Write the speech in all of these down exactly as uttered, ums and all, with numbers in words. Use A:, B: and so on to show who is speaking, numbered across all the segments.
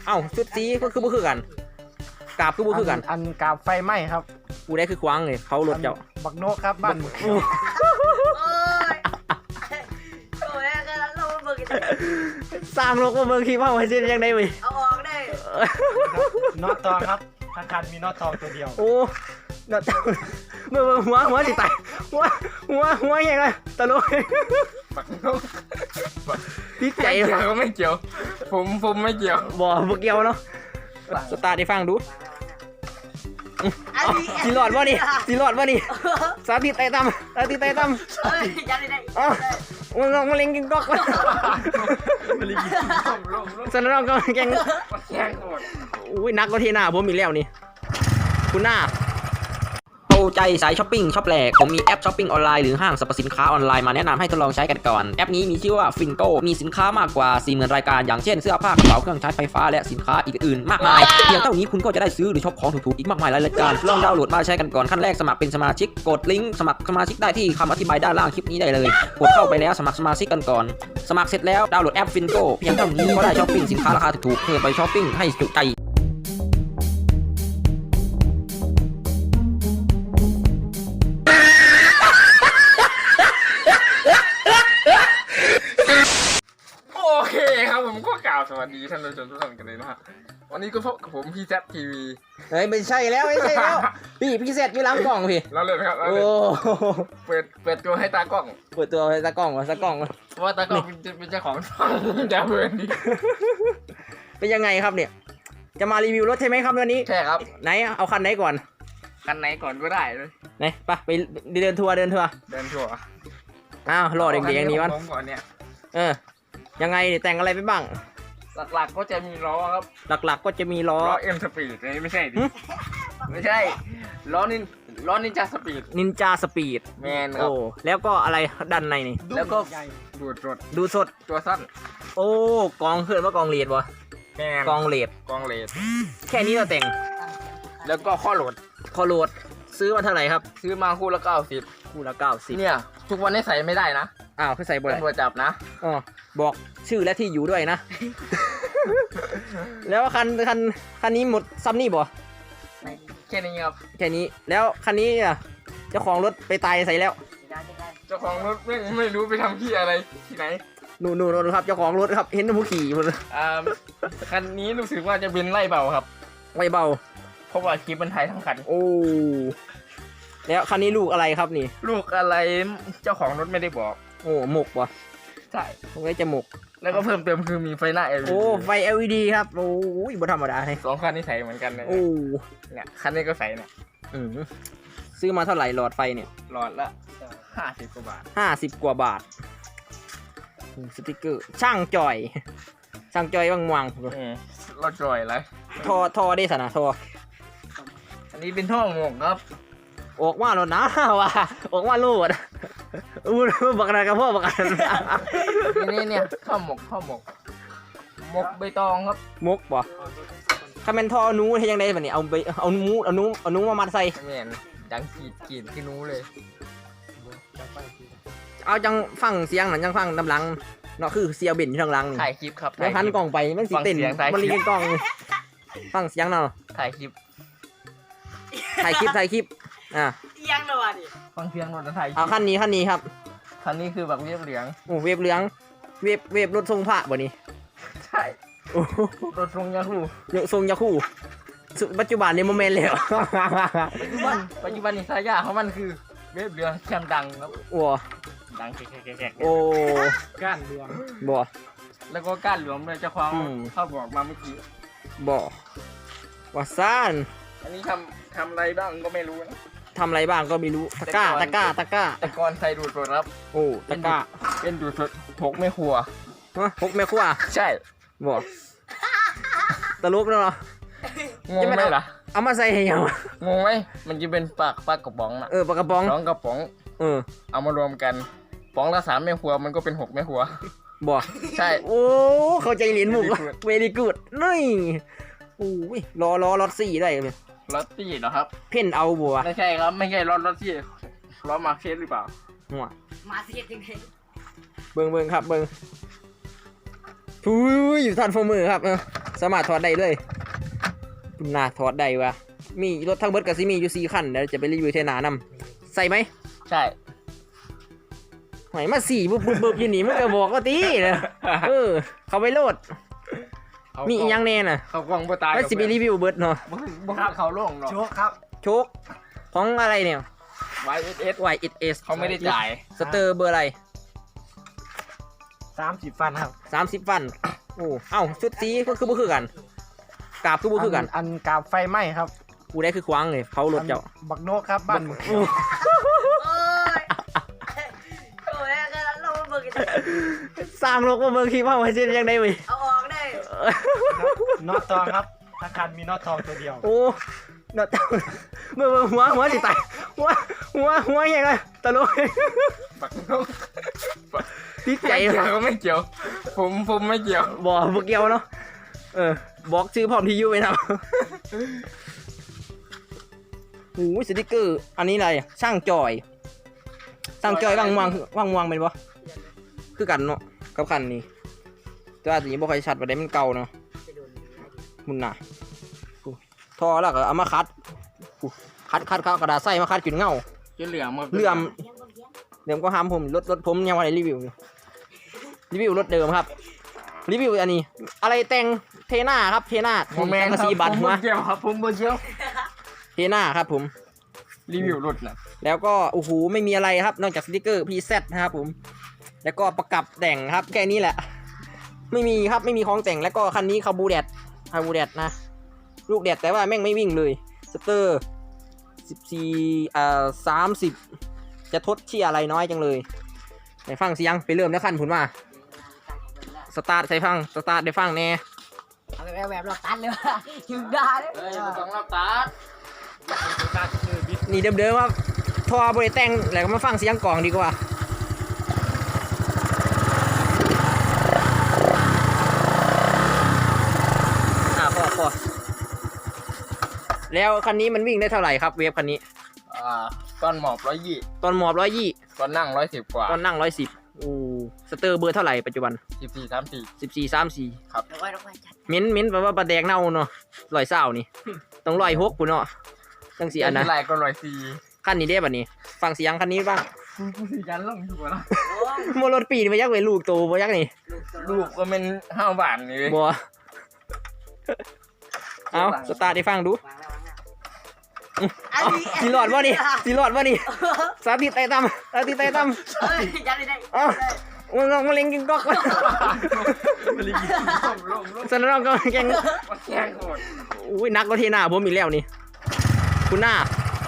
A: เอ้าชุดสีก็คือบ่คือกันกาบคือบ่คือกัน
B: อันกาบไฟไหม้ครับ
A: กูได้คือควางเลยเขารถเจ้า
B: บักโนครับบ้าน
C: โอ้ยโอ้ยก็เราเบิก
A: สร้างโลกมาเบิ่งคิดว่ามันสิยังไงเว้ย
C: เอาออกได้
B: น็อตทองครับทางการมีน็อตทองตัวเดียว
A: โอ้น็อตเบิ่งหัวหัวสิตายหัวหัวหัวยังไงตลก
D: บักนก
A: ติดใจ
D: ก็ไม่เกี่ยวผมผมไม่เกี่ยว
A: บ่บ่เกี่ยวเนาะสตาร์ทให้ฟังดูสิรอดวะนี่สิรอดวะนี่สาธิตไต่ตำสาธิตไต่ตำ
C: เฮ้ยยันได้
A: อ๋อมันลงมาเล็งกินก๊อกมัน
D: มันลิงกินลงลงลง
A: สนองก็แกง
D: แข่งหมด
A: อุ้ยนักก็เทหน้าผมอีกแล้วนี่คุณหน้าโตใจสายช้อปปิ้งช็อปแหลกผมมีแอปช้อปปิ้งออนไลน์หรือห้างสรรพสินค้าออนไลน์มาแนะนำให้ทดลองใช้กันก่อนแอปนี้มีชื่อว่าฟินโก้มีสินค้ามากกว่า สี่หมื่น รายการอย่างเช่นเสื้อผ้ากระเป๋าเครื่องใช้ไฟฟ้าและสินค้าอีกอื่นมากมายเพียงเท่านี้คุณก็จะได้ซื้อหรือช็อปของถูกๆอีกมากมายหลายรายการลองดาวน์โหลดมาใช้กันก่อนขั้นแรกสมัครเป็นสมาชิกกดลิงก์สมัครสมาชิกได้ที่คำอธิบายด้านล่างคลิปนี้ได้เลยกดเข้าไปแล้วสมัครสมาชิกกันก่อนสมัครเสร็จแล้วดาวน์โหลดแอปฟินโก้เพียงเท่านี้ก็ได้ช้อปปิ้งสินค้าราคาถูกๆเพื่อไปช้อปปิ้งให้จุใจ
D: โอเคครับผมก็กล่าวสวัสดีท่านผู้ชมทุกท่านกันเลยนะฮะวันนี้ก็พบกับผมพี่แซดทีวี
A: เฮ้ยไม่ใช่แล้วไม่ใช่แล้วพี่พี่แซดอยู่หลังกล่องพี่
D: เราเลยครับเราเลยเปิดเปิดตัวให้ตากล้อง
A: เปิดตัวให้ตากล้องวะตากล้อง
D: เพราะว่าตากล้องเป็นเจ้าของช่องจะเปิดดี
A: เป็นยังไงครับเนี่ยจะมารีวิวรถใช่ไหมครับวันนี้
D: ใช่ครับ
A: ไหนเอาคันไหนก่อน
D: คันไหนก่อนก็ได้เลย
A: ไหนไปไปเดินทัวร์เดินทัวร์
D: เดินทัวร์
A: อ้าวรอเด็กๆอย่างนี้วัน
D: ก่อนเนี่ย
A: เออยังไงแต่งอะไรไปบ้าง
D: หลักๆก็จะมีล้อครับ
A: หลักๆก็จะมีล้อ
D: ล้อเอ็มสปีดไม่ใช่ดิไม่ใช่ล้อนินล้อนินจาสปีด
A: นินจาสปีด
D: แมนครับ
A: โอ้แล้วก็อะไรด้านในนี่
D: แล้วก็ดูดสด
A: ดูสด
D: ตัวสั้น
A: โอ้กองเพื่อนว่ากองเลดวะ
D: แมน
A: กองเลด
D: กองเลด
A: แค่นี้เราแต่ง
D: แล้วก็ข้อโหลด
A: ข้อโหลดซื้อมาเท่าไหร่ครับ
D: ซื้อมาคู่ละเก้าสิบ
A: คู่ละเก้าสิบ
D: เนี่ยทุกวันนี้ใส่ไม่ได้นะ
A: อ้าวคือใส่บ่ได้
D: ตำรวจจับนะ
A: อ๋อบอกชื่อและที่อยู่ด้วยนะ แล้วคันคันคันนี้หมดซัมนี่บ่
D: แค่นี้ครับ
A: แค่นี้แล้วคันนี้อ่ะเจ้าของรถไปตายใส่แล้ว
D: เจ้าของรถไม่ไม่รู้ไปทำที่อะไรที่ไหน
A: นู่นนู่นครับเจ้าของรถครับเห็นผู้ขี่หมดเลย
D: อ่าคันนี้รู้สึกว่าจะเป็นไล่เบาครับ
A: ไล่เบา
D: เพราะว่าคลิปมันถ่ายทั้งคัน
A: โอ้แล้วคันนี้ลูกอะไรครับนี่
D: ลูกอะไรเจ้าของรถไม่ได้บอก
A: โอ้หมกวะ
D: ใช่
A: ตรงนี้จะหมก
D: แล้วก็เพิ่มเติมคือมีไฟหน้า แอล อี ดี
A: โอ้ไฟ แอล อี ดี ครับโอ้ยบ่ธรรมดาเลย
D: สองคันนี้ใส่เหมือนกันเลย
A: โอ้
D: เนี่ยคันนี้ก็ใส่เนี่ย
A: อืมซื้อมาเท่าไหร่หลอดไฟเนี่ย
D: หลอดละห้าสิบกว่าบาท
A: ห้าสิบกว่าบาทสติ๊กเกอร์ช่างจอยช่างจอยว่างวัง
D: เราจอยเลย
A: ท่อท่อได้สนะท่อ
D: อันนี้เป็นท่อหมกครับ
A: ออกมาแล้วนะว่ะออกมาลูดอู้บักอะไรกับพ่อบักอะไร
D: นี่เนี่ยท่อหมกท่อหมกหมกใบตองครับ
A: หมกป่ะถ้าเป็นท่อนู้ให้ยังไงแบบนี้เอาไปเอานูเอานูเอานูมามัดใส่
D: แม่นดังกีดกีดที่นู้เลย
A: เอาจังฟังเสียงหนังจังฟังดำหลังเนาะคือเสียเบนอยู่ทางหลัง
D: ถ่ายคลิปครับ
A: แล้วพันกล่องไปมันสิเต้นมันรีกล่องฟังเสียงเนาะ
D: ถ่ายคลิป
A: ถ่ายคลิปถ่ายคลิปอ่ะ
C: ยังเลยวะดิ
D: ฟังเสียงรถถ่าย
A: เอาคันนี้คันนี้ครับ
D: คันนี้คือแบบเวฟเหลือง
A: โอ้เวฟเหลืองเวฟเวฟรถทรงพระบ่นี่
D: ใช่รถทรงยาคู
A: รถทรงยาคูปัจจุบันในโมเมนต์แล้ว
D: ปัจจุบันปัจจุบันนี่สายาของมันคือเวฟเหลืองแคมดังครับ
A: โอ้
D: ดังแกะๆๆ
A: โอ้
B: ก้านเหลือง
A: บ่
D: แล้วก็ก้านเหลืองเลยเจ้าของเข้าบอกมาเมื่อกี้
A: บ่ว่าซ่าน
D: อันนี้ทำทำอะไรบ้างก็ไม่รู้นะ
A: ทำอะไรบ้างก็ไม่รู้ตะก้าตะก้าตะก้า
D: แต่ก่อนใส่ดูดสดครับ
A: โอ้ตะก้า
D: เป็นดูดสดพกไม่ครัว
A: ฮะพกไม่ครัว
D: ใช่
A: บ่ตะลุกแล้วเหรอง
D: งไหมล่ะ
A: เอามาใส่ยัง
D: งงไหมมันจะเป็นปากปากกระป๋องนะ
A: เออปากกระป๋อง
D: สองกระป๋อง
A: เออ
D: เอามารวมกันป๋องละสามแม่ครัวมันก็เป็นหกแม่ครัว
A: บ่
D: ใช่
A: โอ้เข้าใจเหรียญมุกเวลี่กูดนี่โอ้ยรอรอรถสี่ได้เลย
D: รถตี้เหรอครับ
A: เพ่นเอาบัว
D: ไม่ใช่ครับไม่ใช่รถรถตี้รถมาร์เก็ตหรือเปล่า
A: หัว
C: มาเสียจริงๆ
A: เบิ่งเบิ่งครับเบิ่งทุยอยู่ทันโฟมือครับเออสามารถถอดได้เลยน่าถอดได้วะมีรถทั้งเบิดกับซิมีอยู่สี่คันเดี๋ยวจะไปรีวิวเทนานำใส่ไหม
D: ใช่
A: ไหนมาสี่บึบบึบบึบอยู่นี่มันก็บอกว่าตีเลยเออเขาไปโหลดมีอีกอยังแน่น่ะ
D: เขากล้องบ่ตาย
A: แล้วสิไปรีวิวเบิดเนาะ
D: บ่บ่เขาโล่งเนาะ
B: โชคครับ
A: โชคของอะไรเนี่ย
D: วาย เอส เอส
A: วาย เอส เอส
D: เขาไม่ได้จ่าย
A: สเตอร์เบอร์อะไร
B: สามสิบฟันครับ
A: สามสิบฟันโอ้เอ้าชุดสีก็คือบ่คือกันกราบคือบ่คือกัน
B: อันกาบไฟไหม้ครับ
A: กูได้คือควางเลยเผารถเจ้า
B: บักโนกครับบ้านมึง
C: โอ้ยโอ้ยก็เราเบิกกัน
A: สร้างโลกมาเมืองคิดว่ามันจะยังไงเว้ย
C: เอาออกได้
B: น็อตทองครับถ้าคันมีน็อตทองตัวเดียว
A: โอ้เนาะเมื่อหัวหัวสิตายหัวหัวหัวยังไงตลก
D: บักน้อง
A: พี่ใจ
D: ไม่เกี่ยวไม่เกี่ยว ผมผมไม่เกี่ยว
A: บอกบ่เกี่ยวเนาะเออบอกชื่อพร้อมที่อยู่ไหมครับโอ้ยสติกเกอร์อันนี้อะไรช่างจอยช่างจอยว่างมวงว่างมวงเป็นปะคือกันเนาะกับคันนี้แต่ว่าสีบ่ค่อยชัดประเด็นมันเก่าเนาะมุนน่ะอู้ทอแล้วก็เอามาคัดอู้คัดคัดคัดกระดาษใส่มาคัดกินเงา
D: จะเหลืองมา
A: เลื่อมเดิมก็ห้ามผมรถรถผมยังไม่ได้รีวิวอยู่รีวิวรถเดิมครับรีวิวอันนี้ อะไรแต่งเทน่าครับเทน่า
D: โมเมน
A: แต่ง
D: ต์
A: กระสีบัตร
D: ผม
A: มา
D: บ่เกี่ยวครับผมบ่เกี่ยว
A: เทน่าครับผม
D: รีวิวรถน่ะ
A: แล้วก็โอ้โหไม่มีอะไรครับนอกจากสติกเกอร์ พี แซด นะครับผมแล้วก็ประกับแต่งครับแค่นี้แหละ ไม่มีครับไม่มีของแต่งแล้วก็คันนี้คาบูแดดคาบูแดดนะลูกแดดแต่ว่าแม่งไม่วิ่งเลยสเตอร์สิบสี่เอ่อสามสิบจะทดเชี่ยอะไรน้อยจังเลยไหนฟังเสียงไปเริ่มแล้วคันผุนมาสตาร์ทใส่ฟังสตาร์ทได้ฟังแน่
C: เอาแบบแบบเราตันเลยว่ะยิงได้เลย
D: เฮ้ยต้องรับตา
A: นี่เดิมๆครับทอบริแต่งแล้วก็มาฟังเสียงกล่องดีกว่าอ่ะพอพอแล้วคันนี้มันวิ่งได้เท่าไหร่ครับเวฟคันนี้
D: อ่าก้อนหมอบร้อยยี่
A: ตอนหมอบร้อยยี่
D: ก้อนนั่งร้อยสิบกว่า
A: ตอนนั่งร้อยสิบอู้สเตอร์เบอร์เท่าไหร่ปัจจุบัน
D: สิบสี่สามสี่
A: สิบสี่สามสี่
C: เดี๋ยวไว้เดี๋ยวไว้จัด
A: มิ้นมิ้นแปลว่าปลาแดกเน่าเนาะลอยเศร้านี่ ต้องลอยหกกูเนาะจังสีอันนะ
D: ไรก็ร้อยสี่
A: คันนี้ได้ป่ะนี่ฟังเสียงคันนี้บ้าง
D: กูสิยันลงอยู่แล้ว
C: โอ้ย
A: โมรถปีนี่มายักษ์เลยลูกโตมายักษ์นี่
D: ลูกก็เป็นห้าบาทนี่
A: บัวเอาสตาร์ทได้ฟังดู
C: วางแล้ววางแล้วอัน
A: เอา
C: นี้
A: สีหลอดวะนี่สีหลอดวะนี่สาธิตไต่ตั้มสาธิตไต่ตั้ม
C: เฮ้ยยัดได้ได้
A: เอ้ามึงลองมาเล็งกินก๊อกเลย
D: ลงลงลง
A: สนองก็แกง
D: มาแข่งโหด
A: อุ้ยนักก็เทหน้าผมอีกแล้วนี่คุณหน้า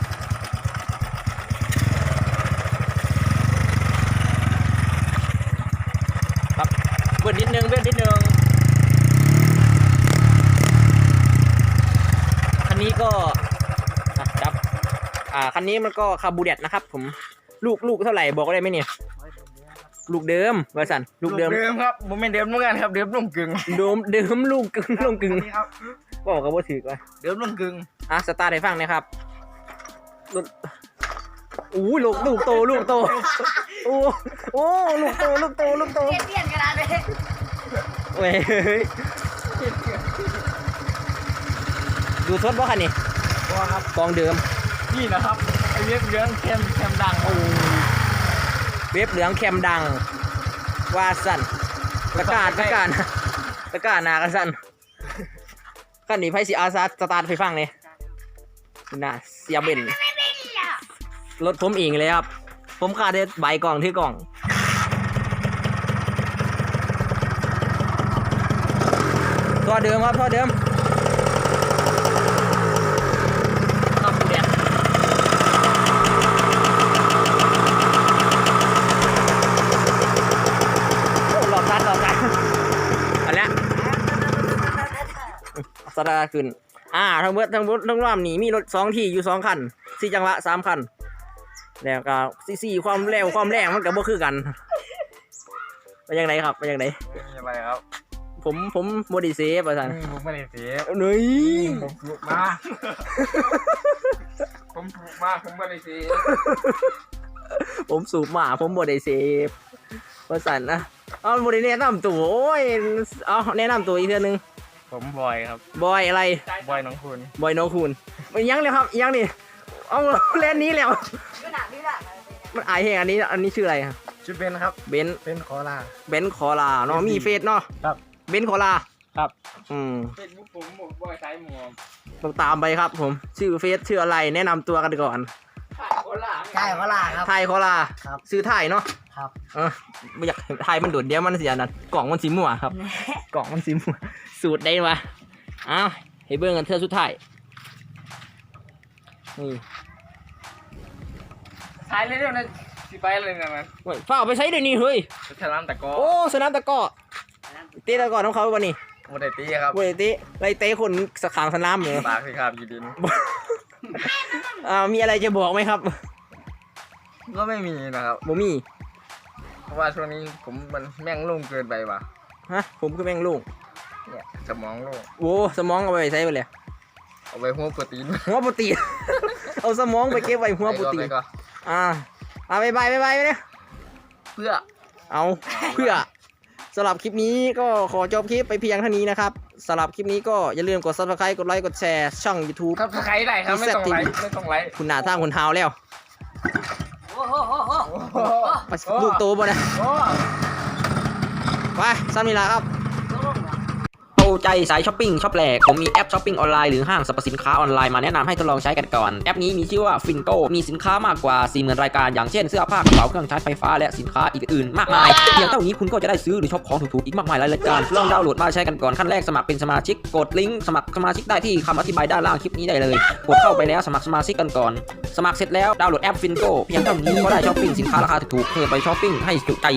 A: ครับเบิดนิดนึงเบิดนิดนึงคันนี้ก็อ่ะครับอ่าคันนี้มันก็คาบูเดตนะครับผมลูกลูกเท่าไหร่บอกได้ไหมเนี่ยลูกเดิมเวอร์สันลูกเดิม
D: เดิมครับโมเมนต์เดิมเหมือนกันครับเดิมลงกึ่ง
A: เดิมเดิมลูกกึ่งลูกกึ่ง
B: นี่ครับ
A: บอกกับว่าถือไว้
D: เดิมลงกึ่ง
A: อ่ะสตาร์ทให้ฟังนะครับลูกอู้ลูกลูกโตลูกโตโอ้โอ้ลูกโตลูกโตลูกโต
C: เปลี่ยนเปลี่ยนกันเลย
A: เว้ยดูทดว่าคันนี้
B: ตัวครับ
A: กองเดิม
D: นี่นะครับไอเว็บเรื่องแคมแคมดัง
A: โอ้เว็บเหลืองแคมดังว่าสั่นตะกร้าตะกร้านะตะกร้าหนากันสั่นคันนี้ไพ่สีอาซาสตาร์ทให้ฟังเลยน่าเสียเบนรถผมเองเลยครับผมขาดได้ใบกล่องที่กล่องท่อเดิมครับท่อเดิมต้องเปลี่ยนโอ้หลอดทัดหลอดทัดอันเนี้ยสตาร์ทขึ้นอ่าทั้งเบิดทั้งเบิดทั้งรอบนี้มีรถสองที่อยู่สองคันสี่จังหวะสามคันแล้วก็สี่สี่ความเร็วความแรงมันก็บ่คือกันไปยังไงครับไปยังไง
D: มีอะไรครับ
A: ผมผมโมดิเซฟอาจารย์
D: ผมไม่ได้เสีย
A: เฮ้ย
D: ผมถูกมาผมถูกมาผมไม่ได้เสีย
A: ผมสูบหมาผมโมดิเซฟอาจารย์นะเอาโมดิแนะนำตัวโอ้ยเอาแนะนำตัวอีกเทื่อนึง
B: ผมบอยครับ
A: บอยอะไร
B: บอยน้องคุณ
A: บอยโนคูนมันยังเลยครับยังนี่เอาเล่นนี้แล้ว
C: ขนาดนี้แหละ
A: มันอายเหงอันนี้อันนี้ชื่ออะไรครับ
B: ชื่อเบนครับ
A: เบนซ์
B: เป็นขอลา
A: เบนซ์คอลาเนาะมีเฟซเนาะ
B: ครับ
A: เบนซ์คอลา
B: ครับ
A: อืม
D: เฟซบุ๊กผมหมวกบอยสายหมวก
A: ต้องตามไปครับผมชื่อเฟซชื่ออะไรแนะนำตัวกันก่อน
D: ถ่ายโคราช
C: ใช่เวลาครับ
A: ไทยคอลา
C: ครับ
A: ซื้อไทยเนาะ
C: ครับ
A: เออไม่อยากไทยมันโดดเดียวมันเสียนั่นกล่องมันสีม่วงครับ กล่องมันสีม่วงสูตรได้มาอ้าวให้เบิ่งกันเธอสุดท้ายนี่
D: ถ่ายเร็วๆนะสิไปเลยนะมัน
A: เว้ยฝ้าเอาไปใช้เดี๋ยวนี้เฮ้ย
D: ไปฉลามตะกอ
A: โอ้สนามตะกร้อเตะตะกร้อของเขาวันนี้
D: โมเดตี้ครับ
A: เว้ยเตะไรเตะคนสขางสนามเหรอ
D: ปากสิครับยีดิน
A: อ่ามีอะไรจะบอกไหมครับ
D: ก็ไม่มีนะครับ
A: บ่มี
D: เพราะว่าช่วงนี้ผมมันแม่งลุ่มเกินไปว่ะ
A: ฮะผมคือแม่งลูก
D: เนี่ยสมองโล่ง
A: โอ้สมองเอาไปใช้ไปเลย
D: เอาไปหัวโปรตีน
A: หัวโปรตีน เอาสมองไปเก็บไว้หัวโปรตีน
D: ไปก็
A: อ่าอ่าบายบายบายบายไปเนี่ย
D: เพื่อ
A: เอาเพื่อสำหรับคลิปนี้ก็ขอจบคลิปไปเพียงเท่านี้นะครับสำหรับคลิปนี้ก็อย่าลืมกด ซับสไครบ์ กดไลค์ กดแชร์ ช่อง YouTube
D: ครับใครได้ครับไม่ต้องไลค์ไม่ต้องไลค์
A: คุณหนาท่างคุณเท้าแล้ว
C: โอ้โหโอ้โห
A: ไปลูกโตบ่นะ
D: โอ้
A: ไปซ้ำนี่ละครับ
C: โอ้โห
A: โตใจสายช้อปปิ้งช็อปแหลกผมมีแอปช้อปปิ้งออนไลน์หรือห้างสรรพสินค้าออนไลน์มาแนะนำให้ทดลองใช้กันก่อนแอปนี้มีชื่อว่าฟินโกมีสินค้ามากกว่า สี่หมื่น รายการอย่างเช่นเสื้อผ้ากระเป๋าเครื่องใช้ไฟฟ้าและสินค้าอื่นๆมากมายเพียงเท่านี้คุณก็จะได้ซื้อหรือช็อปของถูกๆอีกมากมายหลายรายการลองดาวน์โหลดมาใช้กันก่อนขั้นแรกสมัครเป็นสมาชิกกดลิงก์สมัครสมาชิกได้ที่คำอธิบายด้านล่างคลิปนี้ได้เลยกดเข้าไปแล้วสมัครสมาชิกกันก่อนสมัครเสร็จแล้วดาวน์โหลดแอปฟินโกเพียงเท่านี้ก็ได้ช้อปปิ้งสินค้าราคาถูกๆเพื่อไปช้อปปิ้งให้จุใจ